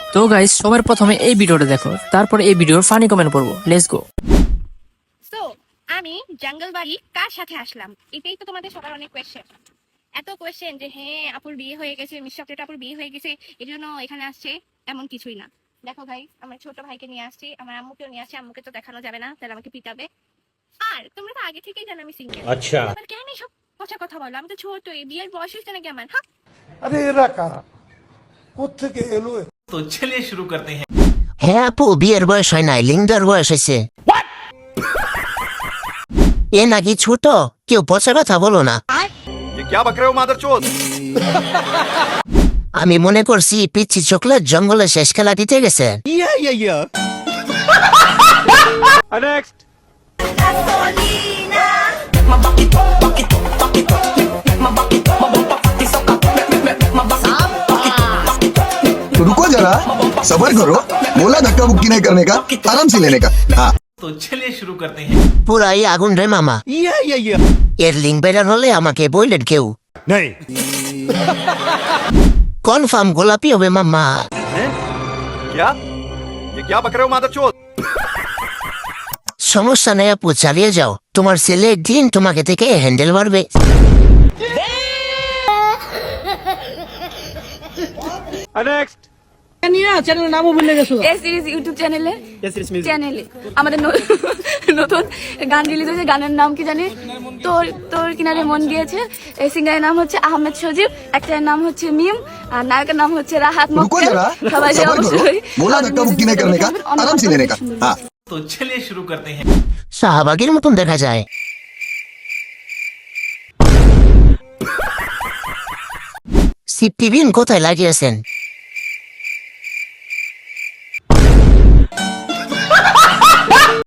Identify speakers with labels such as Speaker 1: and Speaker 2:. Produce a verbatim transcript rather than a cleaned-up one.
Speaker 1: তো গাইস সবার প্রথমে এই ভিডিওটা দেখো, তারপর এই ভিডিওর ফানি কমেন্ট পড়বো। Let's go.
Speaker 2: সো আমি জঙ্গল বাড়ি কার সাথে আসলাম, এটাই তো তোমাদের সবার অনেক কোয়েশ্চেন। এত কোয়েশ্চেন যে হ্যাঁ আপুর বিয়ে হয়ে গেছে, মিস্টার চকলেট আপুর বিয়ে হয়ে গেছে এই জন্য এখানে আসছে, এমন কিছুই না। দেখো ভাই, আমার ছোট ভাইকে নিয়ে আসছি, আমার আম্মুকেও নিয়ে আসছি। আম্মুকে তো দেখানো যাবে না, তাহলে আমাকে পিটাবে। আর তোমরা তো আগে থেকেই জানো আমি সিঙ্গেল।
Speaker 3: আচ্ছা,
Speaker 2: আবার কেন সব পচা কথা বলো? আমি তো ছোট, এই বিয়ের বয়স হচ্ছে নাকি আমার? হ্যাঁ,
Speaker 4: अरे एरा कारा কোত্থেকে এলো এ?
Speaker 3: तो चलिए शुरू करते हैं।
Speaker 5: হ্যাঁ আপু, বিয়ের বয়স হয় নাই, লিঙ্গার বয়স হয়েছে। এ নাকি ছোট, কেউ পচা কথা বলো না।
Speaker 6: ये क्या बक रहे हो मादरचोद?
Speaker 5: আমি মনে করছি পিচ্ছি চকলেট জঙ্গলে শেষ খেলা দিতে গেছে।
Speaker 6: नेक्स्ट।
Speaker 7: रुको जरा, सबर करो। बोला धक्का बुक्की नहीं करने का, आराम से लेने का। हाँ
Speaker 3: तो चलिए शुरू करते हैं।
Speaker 5: পুরাই আগুন রে মামা। এর লিঙ্ক বেরান হলে আমাকে বললেন কেউ।
Speaker 6: नहीं।
Speaker 5: কনফার্ম গোলাপি হবে মামা।
Speaker 6: क्या? ये क्या बक रहे हो मादरचोद?
Speaker 5: সমস্যা নেই আপু, চালিয়ে যাও। তোমার ছেলে একদিন তোমাকে থেকে হ্যান্ডেল মারবে।
Speaker 6: नेक्स्ट।
Speaker 2: এস সিরিজ ইউটিউব চ্যানেলে চ্যানেলে আমাদের ন- নতুন গান রিলিজ হয়েছে। গানের নাম কি জানি? তোর তোর কিনারে মন গিয়েছে। এই সিঙ্গারের নাম হচ্ছে আহমেদ সজীব, একটার নাম হচ্ছে মিম, আর নায়কের নাম হচ্ছে রাহাত
Speaker 7: रुको
Speaker 2: মক্কেল।
Speaker 7: जरा,
Speaker 2: সবাই যে
Speaker 7: सबर करो।
Speaker 2: অবশ্যই
Speaker 7: बोला धक्का बुक्की नहीं करने का, आराम से लेने का। हाँ
Speaker 3: तो चलिए शुरू करते हैं।
Speaker 5: শাহবাগের মতন দেখা যায়। সিপটিভিন কোথায় লাগিয়েছেন?